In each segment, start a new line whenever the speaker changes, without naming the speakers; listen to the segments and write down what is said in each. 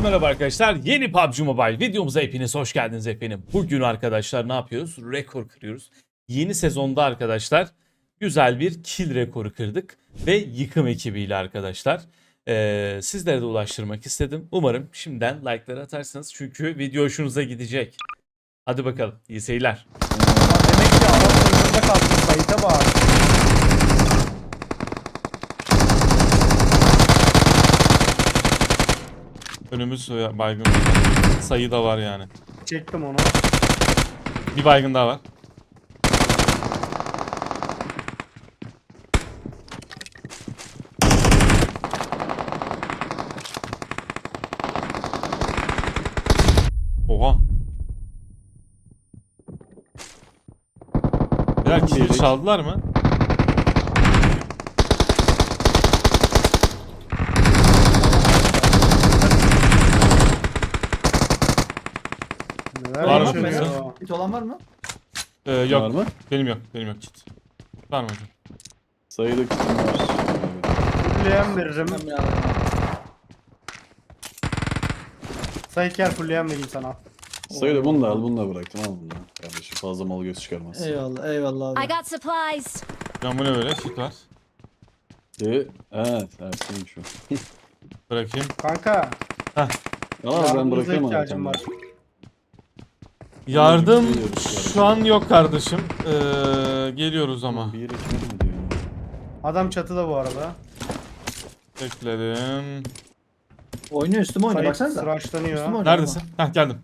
Herkese merhaba arkadaşlar. Yeni PUBG Mobile videomuza hepiniz hoş geldiniz efendim. Bugün arkadaşlar ne yapıyoruz? Rekor kırıyoruz. Yeni sezonda arkadaşlar güzel bir kill rekoru kırdık. Ve yıkım ekibiyle arkadaşlar. Sizlere de ulaştırmak istedim. Umarım şimdiden like'ları atarsınız. Çünkü video hoşunuza gidecek. Hadi bakalım. İyi seyirler.
Demek ki Arap sınırında kaldı. Sayıta bak.
Önümüz baygın. Sayı da var yani.
Çektim onu.
Bir baygın daha var. Oha. Birer kill çaldılar mı?
Neler
Var mı
yaşanıyor?
mesela?
Hiç olan var mı?
Yok.
Var mı?
Benim yok. Benim yok kit. Var mı hocam?
Sayıda kitim var.
Fulleyen veririm.
Bilmem ya.
Sayı gel fulleyen vereyim sana.
Sayıda bunu da al, bunu da bıraktım. Al bunu da. Kardeşim fazla mal göz çıkarmaz.
Eyvallah, eyvallah
I
abi.
got supplies.
Hocam bu ne böyle? Kit var.
Evet, Ersin'miş o.
Kanka.
Bırakayım.
Al ben
yardımınıza
bırakayım
ihtiyacım
abi.
var.
Yardım
Geliyoruz.
şu an yok kardeşim. Geliyoruz ama.
Bir yere kim diyor?
Adam çatıda bu arada.
Bekledim.
Oynuyor, üstüme oynuyor,
Sayı
baksanıza.
sıraçlanıyor.
Üstüme oynuyor.
Neredesin? Heh geldim.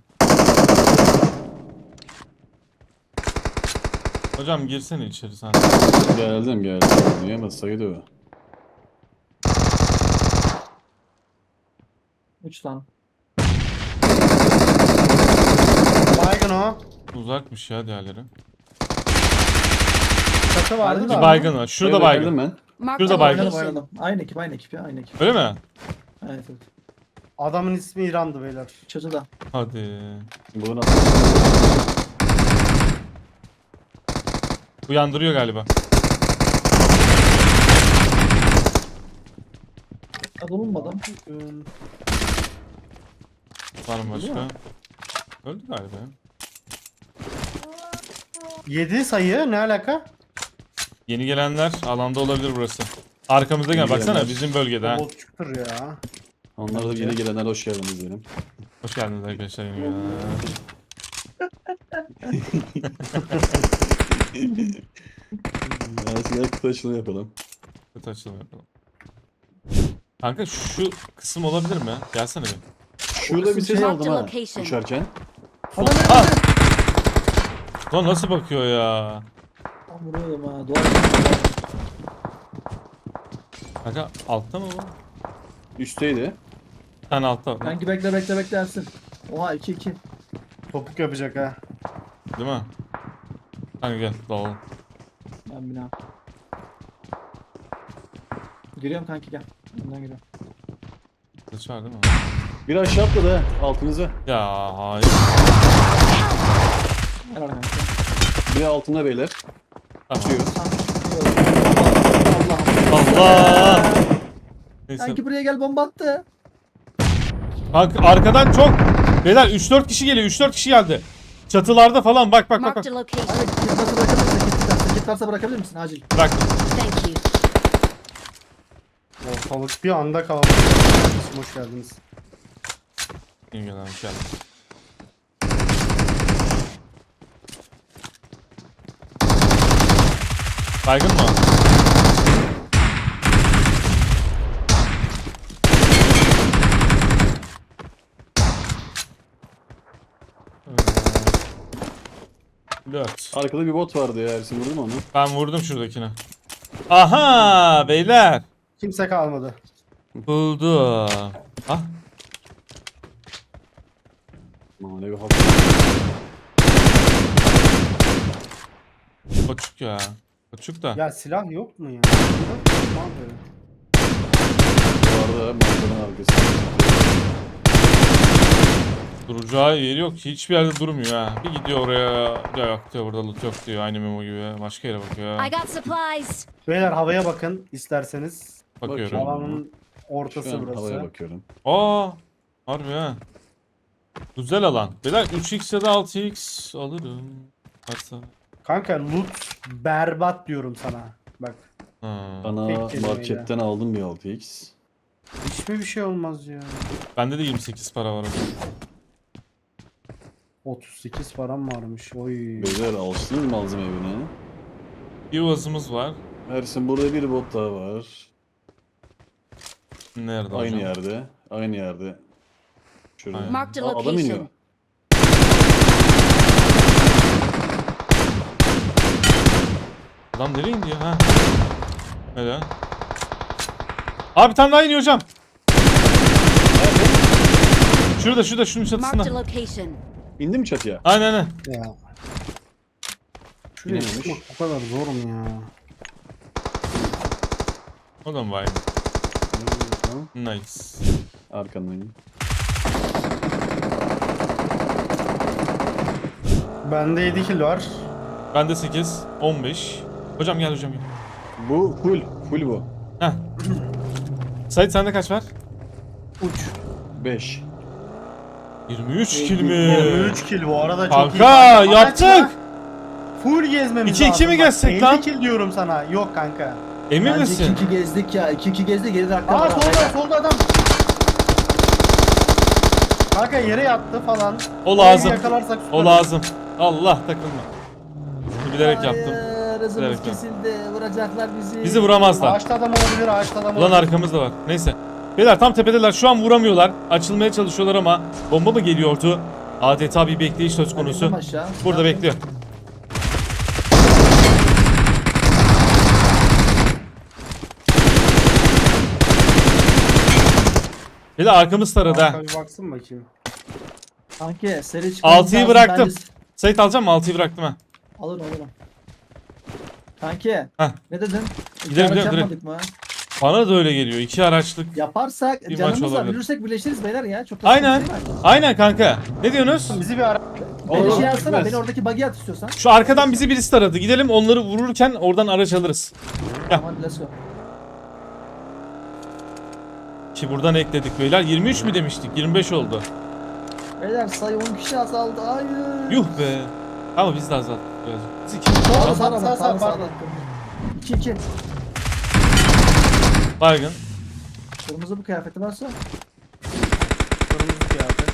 Hocam girsene içeri sen.
Geldim. Diyemez sayıda o.
3 tane.
Baygın o.
Uzakmış ya diğerleri.
Çatı vardı
Bir
Bir
da.
baygın var. Şurada
Sayıda
baygın.
geldim ben.
Marked
Şurada
a
baygın.
Oynadım,
location.
oynadım. Aynı ekip ya, aynı ekip.
Öyle mi?
Evet, evet.
Adamın ismi İran'dı beyler.
Çatıda.
Hadi.
Bunu
Uyandırıyor galiba.
Ya bulunmadı.
Var mı başka?
mi?
Öldü galiba ya.
7 sayı ne alaka?
Yeni gelenler alanda olabilir burası. Arkamızda gel
Yeni
baksana
gelenler.
bizim bölgede ha.
Botçuktur ya.
Onlar da yeni gelenler hoş geldiniz diyelim.
Hoş geldiniz arkadaşlar yeni gelenler.
Gel kutu açılımı yapalım.
Kötü açılım yapalım. Kanka şu kısım olabilir mi? Gelsene bir.
Şurada bir ses
Marked
aldım ha.
location.
Uçarken.
Ah! Lan nasıl bakıyor ya?
Tam vuruyordum ha. Duvar.
Kanka altta mı bu?
Üstteydi.
Bir tane altta var.
Kanki bekle Ersin. Oha 2-2.
Topuk yapacak ha.
Değil mi? Kanka gel dalalım.
Ben bina. Giriyorum kanki gel. Önden giriyorum.
Kılıç var değil mi?
Bir aşağı atladı ha. Altınıza.
Ya hayır.
Helal kanki.
Bir altında beyler.
Tamam.
Atıyor.
Allah'ım.
Allah! Neyse.
Kanki buraya gel, bomba attı.
Kanka arkadan çok. Beyler 3-4 kişi geliyor. 3-4 kişi geldi. Çatılarda falan bak.
Marked a location.
Abi kit varsa bırakabilir misin? Kit varsa bırakabilir misin? Acil.
Bak.
Thank you.
Ortalık bir anda kalabalık. Hoş geldiniz.
İyi gelen hoş geldin. Baygın mı? Dört.
Arkada bir bot vardı ya Ersin, vurdun mu onu?
Ben vurdum şuradakine. Aha beyler.
Kimse kalmadı.
Buldum. Ah.
Manevi hafta.
Koçuk ya. Koçuk da.
Ya silah yok mu ya? Tamam böyle.
Bu arada manzaranın arkasında.
Duracağı yeri yok ki. Hiçbir yerde durmuyor ha. Bir gidiyor oraya. Ya yok diyor, burada loot yok diyor. Aynı memo gibi. Başka yere bakıyor.
I got supplies.
Beyler havaya bakın isterseniz.
Bakıyorum.
Alanın
Şu
ortası
an havaya
burası.
bakıyorum.
Aa. Harbi ha. Güzel alan. Beyler 3x ya da 6x alırım. Varsa.
Kanka loot berbat diyorum sana. Bak.
Ha.
Bana
Tek kelimeyle.
marketten aldım bir 6x.
Hiç mi bir şey olmaz ya?
Bende de 28 para var.
38 param varmış. Oy.
Beyler alıştınız mı malzeme evine?
Bir vazımız var.
Ersin burada bir bot daha var.
Nerede
Aynı
hocam?
yerde. Aynı yerde. Şurada.
Aynen.
Marked a
Aa, adam iniyor.
location.
Adam nereye indi ya? Ha. Neden? Abi bir tane daha iniyor hocam. Şurada şunun
Marked a
çatısında.
location.
İndi mi çatıya?
Aynen.
Ya. Şuraya
İnememiş.
çıkmak bu kadar zor mu ya?
O da mı var?
Tamam.
Nice.
Arkandayım.
Bende 7 kill var.
Bende 8, 15. Hocam gel hocam gel.
Bu full. Full bu.
Heh. Sait sende kaç var?
Uç.
5.
23 kill mi?
23 kill bu arada çok iyi.
Kanka
Amaç
yaptık.
ne? Full gezmemiz
2-2
lazım.
mi
Bak,
gezsek
50
lan?
kill diyorum sana. Yok kanka.
Emin
Bence
misin?
2-2 gezdik ya. 2-2 gezdik. Geride dakika
Aa
var.
solda adam. Kanka yere yattı falan.
O
Orayı
lazım.
Yakalarsak
O lazım. Allah takılma. Bilerek yaptım.
Hayır, hızımız
Bilerek yaptım.
kesildi. Vuracaklar bizi.
Bizi vuramazlar.
Ağaçta adam olabilir, ağaçta adam
Ulan
olabilir.
arkamızda var. Neyse. Beyler tam tepedeler. Şu an vuramıyorlar. Açılmaya çalışıyorlar ama bomba mı geliyordu? Adeta bir bekleyiş söz
Ben
konusu.
indim aşağı.
Burada
Ne
bekliyor. Beyler arkamız taradı ha.
Arka bir baksın bakayım.
Kanki seri çıkmamız
6'yı
lazım.
bıraktım.
Bence-
Sait alacağım mı? 6'yı bıraktım ha.
Alırım. Kanki
Heh.
ne dedin?
Gidelim,
İki araç
gidelim,
yapmadık mı?
Bana da öyle geliyor. 2 araçlık.
Yaparsak
Bir maç
canımız var.
olabilir.
Yürürsek birleşiriz beyler ya. Çok da
Aynen.
sıkıntı değil mi?
Aynen kanka. Ne diyorsunuz?
Bizi bir ara...
Beni
Olur,
şey yazsana.
gitmez.
Beni oradaki bug'i at istiyorsan.
Şu arkadan bizi birisi taradı. Gidelim onları vururken oradan araç alırız.
Tamam hadi let's go.
Ki buradan ekledik beyler. 23 mü demiştik? 25 oldu.
Beyler sayı 10 kişi azaldı. Hayır.
Yuh be. Ama biz de azalttık birazcık. Biz iki
Sağda
Sağ,
sağda
sağ,
sağda.
pardon.
2-2.
baygın.
Kırmızı bu kıyafeti varsa.
Kırmızı kıyafet.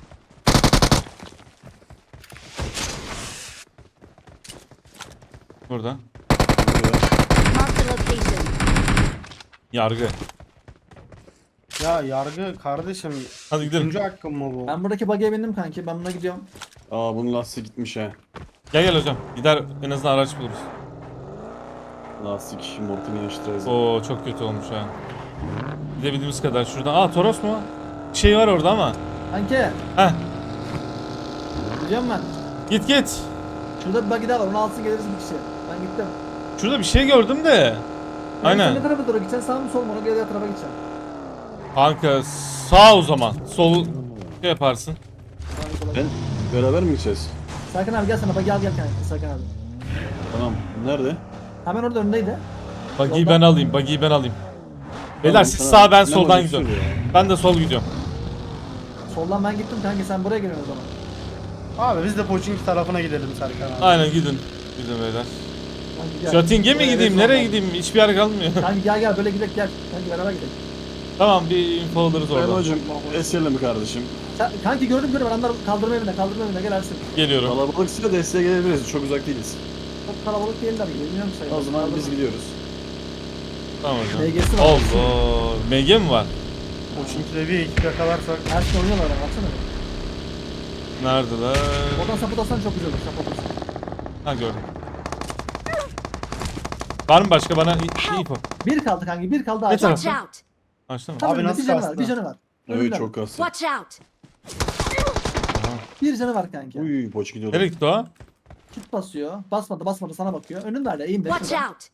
Burada.
Marked a location.
Yargı.
Ya yargı kardeşim.
Hadi gidelim.
Üçüncü hakkım mı bu?
Ben buradaki bug'e bindim kanki. Ben buna gidiyorum.
Aa bunun lastiği gitmiş ha.
Gel hocam. Gider en azından araç buluruz.
Lastik mortini yaştıracağız.
Oo çok kötü olmuş ha. Gidebildiğimiz kadar şuradan. Aa Toros mu? Bir şey var orada ama.
Kanki.
Heh.
Gidiyorum ben.
Git.
Şurada bir bug'i daha var. Onu alsın geliriz bir kişi. Ben gittim.
Şurada bir şey gördüm de.
Sen
Aynen.
ne tarafa doğru gideceksin? Sağ mı sol mu? Ona göre diğer tarafa gideceksin.
Kanka sağ o zaman. Sol şey yaparsın.
Sağ mı sola
Ben beraber mi gideceğiz?
Serkan abi gel sana bug'i al gel kanki. Serkan abi.
Tamam. Nerede?
Hemen orada önündeydi.
Buggy'yi
Soldan.
ben alayım. Buggy'yi ben alayım. Beyler
Tamam,
siz
tamam.
sağ ben
Ne
soldan
olacak
gidiyorum.
söyle ya.
Ben de sol gidiyorum.
Soldan ben gittim kanki. Sen buraya geliyorsun o zaman.
Abi biz de Pochinki tarafına gidelim Serkan abi.
Aynen gidin. Gidin beyler.
Kanki gel.
Şating'e mi
Buraya
gideyim?
soldan.
Nereye gideyim? Hiçbir yer kalmıyor.
Kanki gel böyle gidelim gel. Kanki beraber gidelim.
Tamam bir info alırız
Ben
oradan.
hocam esirle mi kardeşim?
Kanki gördüm adamlar kaldırma evine gel Ersin.
Geliyorum.
Kalabalıksa desteğe gelebiliriz. Çok uzak değiliz.
Çok kalabalık değiller gibi bilmiyorum sayı.
O zaman biz gidiyoruz.
Tamam hocam.
MG'si var.
Allah. MG mi var?
Pochinki'de bir ekip yakalarsak.
Her şey oynuyorlar ama baksana.
Neredeler?
Oradan sapıt atsan çok güzel olur sapıt atsan.
Ha gördüm. Var mı başka bana info?
Bir kaldı kanki bir kaldı
Ne
ağaç.
taraf?
Watch out.
Açtı mı?
Tam
Abi
önünde
nasıl
bir canı var
kastı?
bir canı var.
Evet
Önünde.
çok kastı.
Watch out.
Bir canı var kanki.
Uy poç gidiyordu.
Nereye gitti o?
Kit basıyor. Basmadı sana bakıyor. Önünde hala eğim
Watch out.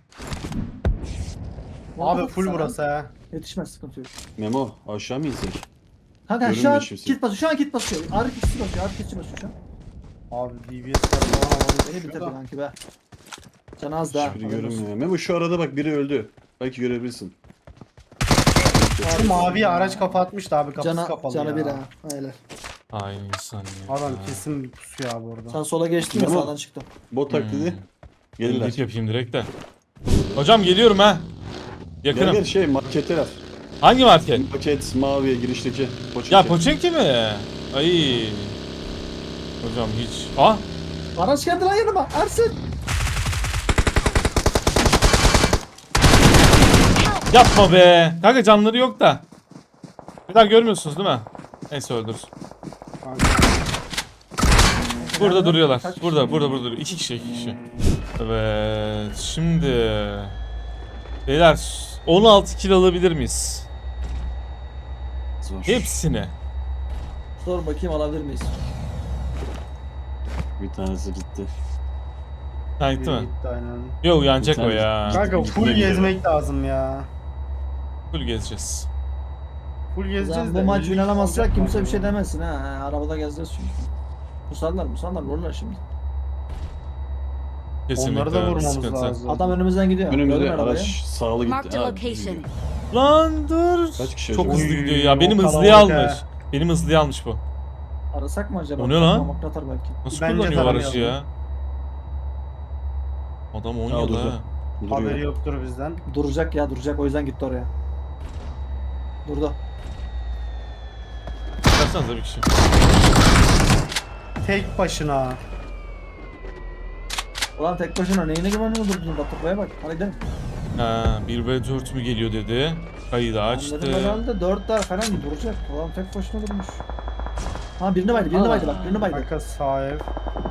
Abi full burası ha.
Yetişmez sıkıntı yok.
Memo aşağı mı insek?
Kanka şu
Görünmüyor
an
kimse.
kit basıyor. Şu an kit basıyor. Ağrı kitçi basıyor. Ağrı kitçi basıyor şu an.
Abi DBS'ler falan havalı.
Beni bitirdi kanki be. Canı az daha.
Hiçbiri görünmüyor. Memo şu arada bak biri öldü. Belki görebilirsin.
Şu maviye araç kafa atmıştı abi, kapısı
Cana,
kapalı
canı
ya.
bir ha. Öyle.
Aynı insan ya.
Adam kesin bir pusuyor abi orada.
Sen sola geçtin ya
Ama-
sağdan çıktım.
Bot taklidi. Gelirler.
Ellik yapayım direkt de. Hocam geliyorum ha.
Gel
Yakınım.
gel şey marketler.
Hangi market?
Paket maviye girişteki. Poçinki.
Ya Poçinki mi? Ay. Hocam hiç. Ah.
Araç geldi lan yanıma. Ersin.
Yapma be. Kanka canları yok da. Bir daha görmüyorsunuz değil mi? Neyse öldürürüz.
Kanka.
Burada duruyorlar.
Kaç kişi?
Burada duruyor. İki kişi. Evet. Şimdi. Beyler 16 kill alabilir miyiz?
Zor.
Hepsini.
Sor bakayım alabilir miyiz?
Bir tanesi gitti.
Ha gitti mi?
Gitti aynen.
Yok uyanacak
Bir
o
tane-
ya.
Kanka full
Gitmeye
gezmek lazım ya.
Full gezeceğiz.
Full gezeceğiz
Zaten
de.
bu maç
elli
oynanamazsak
olacak
kimse
mı
bir şey
acaba?
demesin ha. Arabada gezeceğiz çünkü. Musarlar vururlar şimdi.
Kesinlikle.
Onları da vurmamız
sıkıntı.
lazım.
Adam önümüzden gidiyor. Gördün
Önümüzde
mü arabayı?
araç sağlı
Marked
gitti.
a
Ha,
location.
gidiyor.
Lan dur.
Kaç kişi
Çok
acaba?
hızlı
Oy,
gidiyor ya. Benim
o
hızlıya
kalabalık
almış.
ha.
Benim hızlıya almış bu.
Arasak mı acaba?
O ne lan?
Parmak atar belki.
Nasıl
Bence
kullanıyor aracı
taramayalım.
ya? Adam 10
Aa,
yıl
durdu.
ha.
Haberi
Duruyor.
yoktur bizden.
Duracak ya duracak o yüzden gitti oraya. Durdu.
Baksanıza bir kişi.
Tek başına.
Ulan tek başına neyine güvenmiyor durdun Batırmaya bak. Hadi gidelim.
Ha, 1v4 mü geliyor dedi. Kaydı
Ben
açtı.
dedim herhalde 4 daha falan duracak. Ulan tek başına durmuş. Ha birini baydı bak birini baydı.
Kanka sağ ev.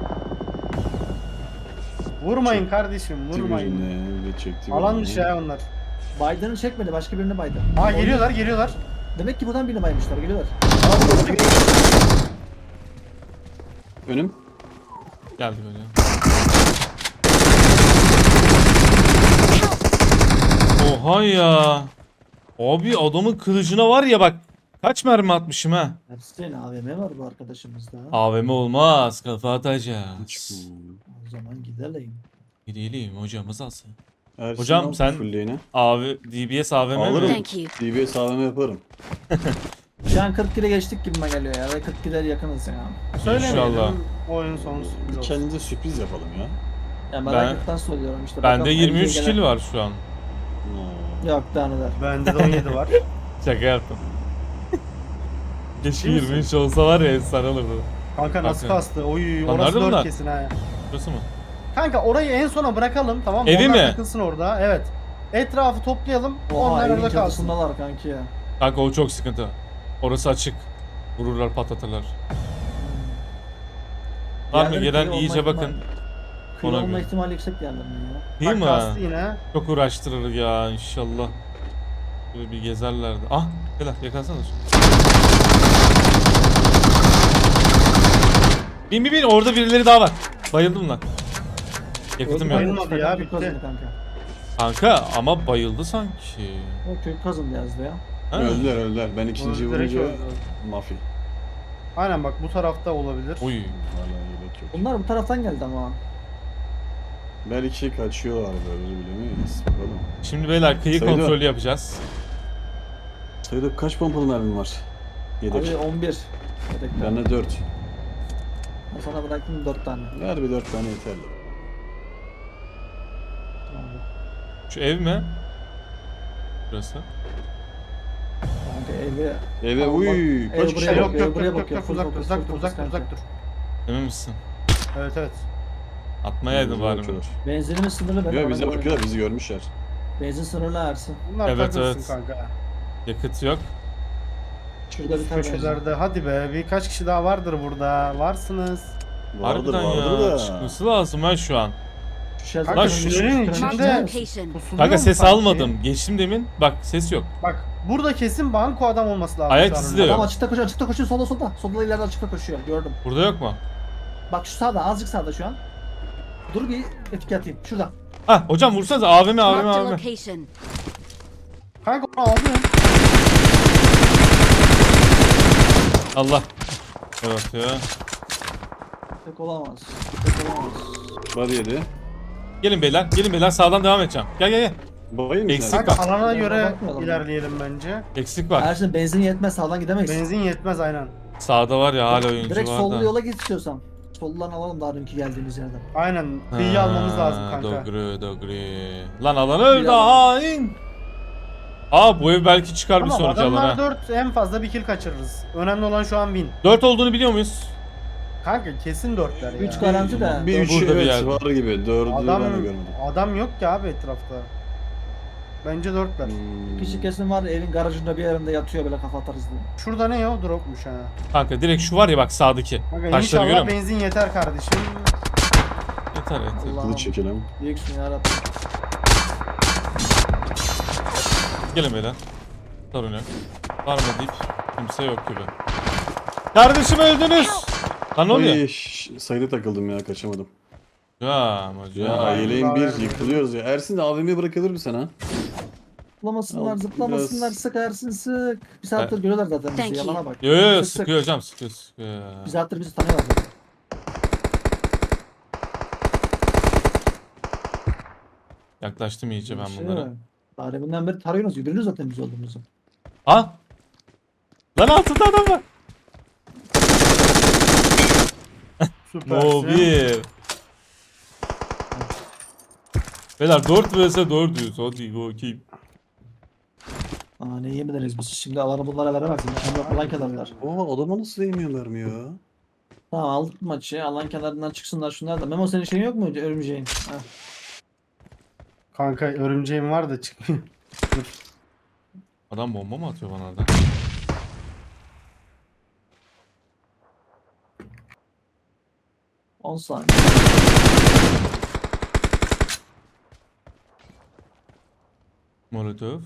Vurmayın kardeşim, vurmayın.
Vurmayın. Çekti.
Alan
birini.
dışı ya onlar.
Biden'ı çekmedi başka birini baydı.
Aa geliyorlar.
Demek ki buradan birini baymışlar geliyorlar.
Önüm.
Geldi böyle. Oha ya. Abi adamın kılıcına var ya bak. Kaç mermi atmışım ha.
Ersin AVM var bu arkadaşımızda.
AVM olmaz. Kafa atacağız.
O zaman gidelim.
Gidelim hocamız alsın.
Ersin
Hocam
al
sen-
fulleyini.
Abi DBS AVM
Alırım.
mi?
Thank you.
DBS AVM yaparım.
Şu an 40 kilo geçtik gibime geliyor ya. Ve 40 kiloya yakınız ya.
Söylemeyelim.
İnşallah.
Oyun sonu sürpriz olsun.
Kendimize sürpriz yapalım ya.
Ya meraklıktan söylüyorum işte.
Bende
bakalım
23
elliye
kill
gelen-
var şu an.
Yok daha neler.
Bende de 17 var.
Şaka yaptım. Keşke
Ciddi misin?
23 olsa var ya efsane olurdu.
Kanka nasıl
Bakın.
kastı? Oy
Lan
orası
nerede
4
bunlar?
kesin ha.
Burası mı?
Kanka orayı en sona bırakalım tamam mı?
Evi
Onlar
mi?
takılsın orada. Evet. Etrafı toplayalım.
Oha
onlar
evin
orada kalsın.
çatısındalar kanki ya.
Kanka o çok sıkıntı. Orası açık. Vururlar patlatırlar. Var mı
Diğerleri
gelen
kıyı
iyice
olma
bakın.
ihtimali- Kıyı
Ona
olma
göre.
ihtimali yüksek diğerlerinin ya.
Değil
Bak
mi?
kastı yine.
Çok uğraştırır ya inşallah. Böyle bir gezerlerdi. Ah! Beyler yakalasana. Bin orada birileri daha var. Bayıldım lan. Yakıtım yok.
Bayılmadı ya,
Kök
bitti.
kazındı kanka.
Kanka ama bayıldı sanki.
O kök kazındı yazdı ya.
Ha?
Öldüler. Ben ikinciyi
Direkt
vurunca
öldü.
mafya.
Aynen bak bu tarafta olabilir.
Uy.
Hala yelek yok.
Bunlar bu taraftan geldi ama.
Belki kaçıyorlar böyle bilemeyiz. Bakalım.
Şimdi beyler kıyı
Sayılı.
kontrolü yapacağız.
Sayıda kaç pompalı mermin var? Yedek.
Abi 11. Yedekler.
Bende 4.
Ben sana bıraktım 4 tane.
Ver bir 4 tane yeterli.
Tamam.
Şu ev mi? Burası.
Kanka evi...
Eve
Tamam,
uy
bak,
kaç
ev
kişi
buraya
yok?
bakıyor,
Yok
buraya
yok
bakıyor,
yok
full
uzak
focus,
uzak
full
uzak
focus
uzak
kanka.
dur.
Emin misin?
Evet evet.
Atmayaydın
Bize
bari mi?
bakıyorlar.
Benzinimiz sınırlı benim.
Yok
ona
bize
göre.
bakıyorlar bizi görmüşler.
Benzin sınırlı Ersin.
Bunlar
Evet,
takılsın
evet.
kanka.
Yakıt yok.
Şurada bir tane benzin.
Köşelerde hadi be birkaç kişi daha vardır burada. Varsınız.
Vardır
Harbiden
vardır
ya.
da.
Çıkması lazım ha şu an.
Şu şelter-
Kanka
Lan şu-
şunların
Marked a
içinde
location.
pusuluyor
Kanka
mu
ses
sanki?
almadım. Geçtim demin. Bak ses yok.
Bak burada kesin banko adam olması lazım.
Ayak
şu an
izi de
önümde.
yok.
Adam açıkta koşuyor solda. Solda ileride açıkta koşuyor gördüm.
Burada yok mu?
Bak şu sağda azıcık sağda şu an. Dur bir etki atayım. Şurada.
Ha hocam vursanız AVM
Marked a
AVM.
location.
Kanka onu aldım.
Allah. Evet ya.
Tek olamaz. Tek olamaz.
Body yedi.
Gelin beyler. Gelin beyler sağdan devam edeceğim. Gel gel gel.
Bayım
Eksik
nerede?
var.
Kanka alana
Bakmayalım
göre
ya.
ilerleyelim bence.
Eksik var.
Eğer şimdi benzin yetmez sağdan gidemeyiz.
Benzin yetmez aynen.
Sağda var ya hala oyuncu
Direkt
var
sollu
da.
yola git istiyorsan. Soldan alalım daha dünkü geldiğimiz yerden.
Aynen. Kıyıyı almamız lazım kanka.
Dogri. Lan alan öldü hain. Aa bu ev belki çıkar bir
Tamam
sonraki
adamlar
alana.
4 en fazla bir kill kaçırırız. Önemli olan şu an win.
4 olduğunu biliyor muyuz?
Kanka kesin 4'ler ya.
3 garanti de.
Bir üç
Burada bir
evet
yerde.
var gibi. Dördü
Adam
ben de görmedim.
adam yok ki abi etrafta. Bence 4'ler.
Kişi kesin var evin garajında bir yerinde yatıyor böyle kafa atarız diye.
Şurada ne ya? Dropmuş ha.
Kanka direkt şu var ya bak sağdaki.
Kanka
Taşları görüyor
inşallah
musun?
benzin yeter kardeşim.
Yeter yeter.
Allah'ım.
Kılıç çekelim.
Büyüksün yarabbim.
Gelin beyler. Sorun yok. Var mı deyip kimse yok gibi. Kardeşim öldünüz. Lan ne oluyor?
Ay sayıda takıldım ya kaçamadım.
Ya
Ya
Ay,
yeleğin
daha
bir
vermedim.
yıkılıyoruz ya. Ersin de AVM'ye bırakılır mı sana?
Zıplamasınlar
Al,
zıplamasınlar
biraz-
sık Ersin sık. Bir saattir görüyorlar zaten
Thank
bizi
you.
yalana bak.
Yo yo yo
Sık sık.
sıkıyor hocam sıkıyor.
Bir saattir bizi tanıyorlar zaten.
Yaklaştım iyice ben
Şey
bunlara.
var. Daha deminden beri tarıyorsunuz. Yürüyorsunuz zaten biz olduğumuzu.
Ha? Lan altında adam var.
Süpersin.
No 1. Beyler 4 vs 4'üz. Hadi bakayım.
Aa ne yemediniz biz. Şimdi alanı bunlara veremezsin. Şimdi alan kenarlar.
Oha adama nasıl değmiyor mermi ya?
Tamam aldık maçı. Alan kenarından çıksınlar şunlar da. Memo senin şeyin yok mu? Örümceğin. Ha.
Kanka örümceğim var da çıkmıyor.
Adam bomba mı atıyor bana orada?
On saniye.
Molotov.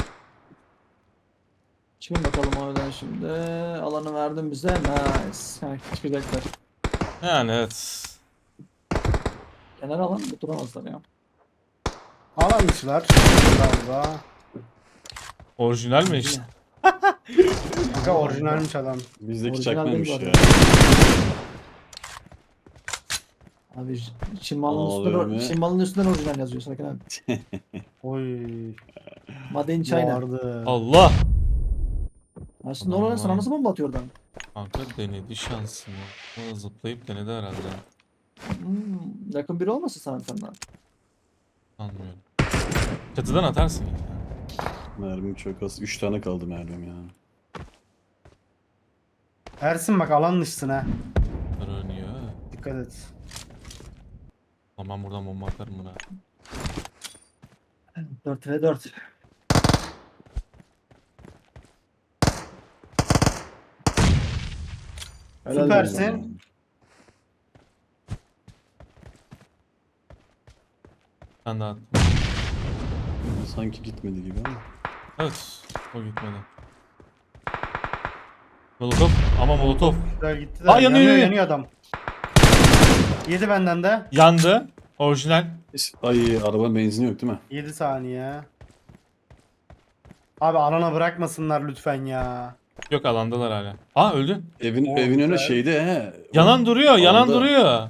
Çıkın bakalım oradan şimdi. Alanı verdim bize. Nice. Ha, çıkacaklar.
Yani evet.
Kenar alan bu duramazlar ya.
Alanmışlar galiba.
Orijinal mi işte?
Kanka orijinalmiş adam.
Bizdeki
Orijinal
çakmaymış
değil bu
ya.
Abi Çin malının
Aa,
üstünden,
öyle mi?
Çin malının üstünden orijinal yazıyor Sakin abi.
Oy.
Made in China.
Vardı.
Allah.
Aslında
Aman
oraya sana
Allah'ım.
nasıl bomba atıyor oradan?
Kanka denedi şansını. O zıplayıp denedi herhalde.
Yakın biri olmasın sana senden.
Anlıyorum. Çatıdan atarsın ya.
Mermim çok az. 3 tane kaldı mermim ya.
Ersin bak alan dışsın ha.
Öğreniyor.
Dikkat et.
Tamam buradan bomba atarım buna.
4 ve 4.
Süpersin.
Ben de attım.
Sanki gitmedi gibi ama.
Evet. O gitmedi. Molotov. Ama Molotov.
Güzel gitti de.
Aa, yanıyor, yanıyor.
yanıyor adam. Yedi benden de.
Yandı. Orijinal.
Ay araba benzini yok değil mi?
7 saniye. Abi alana bırakmasınlar lütfen ya.
Yok alandalar hala. Aa öldü.
Evin
Oo,
evin önü
güzel.
şeyde he.
Yanan duruyor. Yanan
Alanda.
duruyor.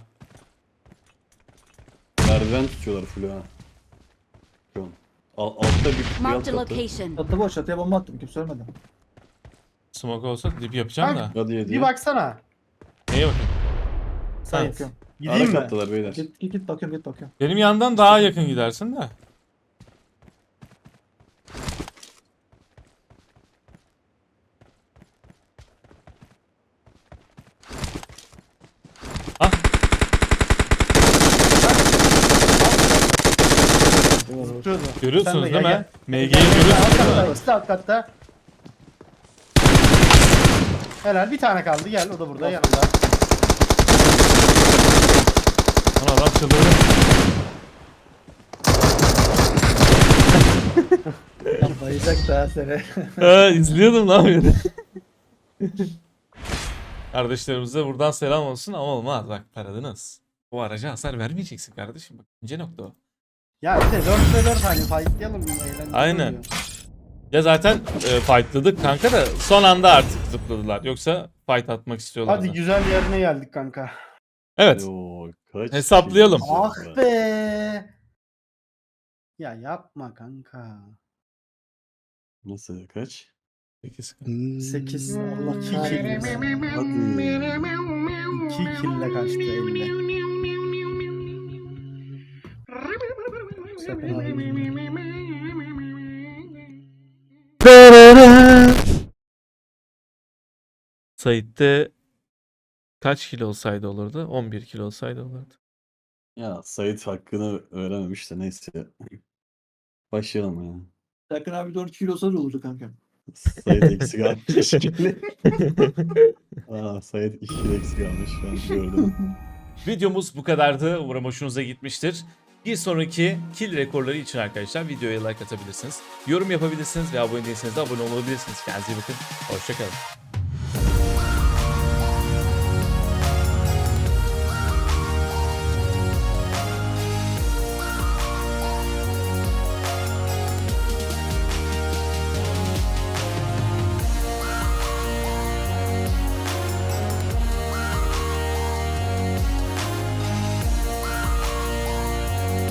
Merdiven tutuyorlar full ha. Şu an. Altta bir alt
Marked a
katı.
location.
Çatı boş çatıya bomba attım kimse ölmedi.
Smoke olsa dip yapacağım da.
Hadi yedi.
Bir baksana.
Neye bakayım?
Sen
Evet.
yapıyorum.
Gideyim
Ara
mi?
kattalar beyler.
Git bakıyorum git bakıyorum.
Benim yandan daha yakın gidersin de. Ah
Tutuyordu.
görüyorsunuz
Sen de
değil
gel,
mi? MG'yi
Alt
görüyorsunuz değil
katta,
mi?
ikisi de alt katta. Helal bir tane kaldı gel o da burada yanımda.
Lan adam çıldırdı.
Bayacak daha seni.
İzliyordum lan beni. Kardeşlerimize buradan selam olsun ama olmaz bak paradınız. Bu araca hasar vermeyeceksin kardeşim. Bak ince nokta o.
Ya bir de 4 ve 4 hani fightlayalım eğlenceli
Aynen.
oluyor.
Ya zaten fightladık kanka da son anda artık zıpladılar. Yoksa fight atmak istiyorlardı.
Hadi güzel yerine geldik kanka.
Evet.
Yo, kaç
Hesaplayalım.
kişi
Ah
var?
be. Ya yapma kanka.
Nasıl kaç?
8.
8. Allah
2
kahretsin.
kill. 2 kill'le kaçtı 50. Sakın abi.
Sait'te kaç kilo olsaydı olurdu? 11 kilo olsaydı olurdu.
Ya Sait hakkını öğrenemiş de neyse. Başlayalım ya.
Serkan abi 4 kilo olsa da olurdu kanka.
Sait eksik almış. Sait 2 kilo eksik almış şu an gördüm.
Videomuz bu kadardı. Umarım hoşunuza gitmiştir. Bir sonraki kill rekorları için arkadaşlar videoya like atabilirsiniz. Yorum yapabilirsiniz ve abone değilseniz de abone olabilirsiniz. Kendinize iyi bakın. Hoşçakalın.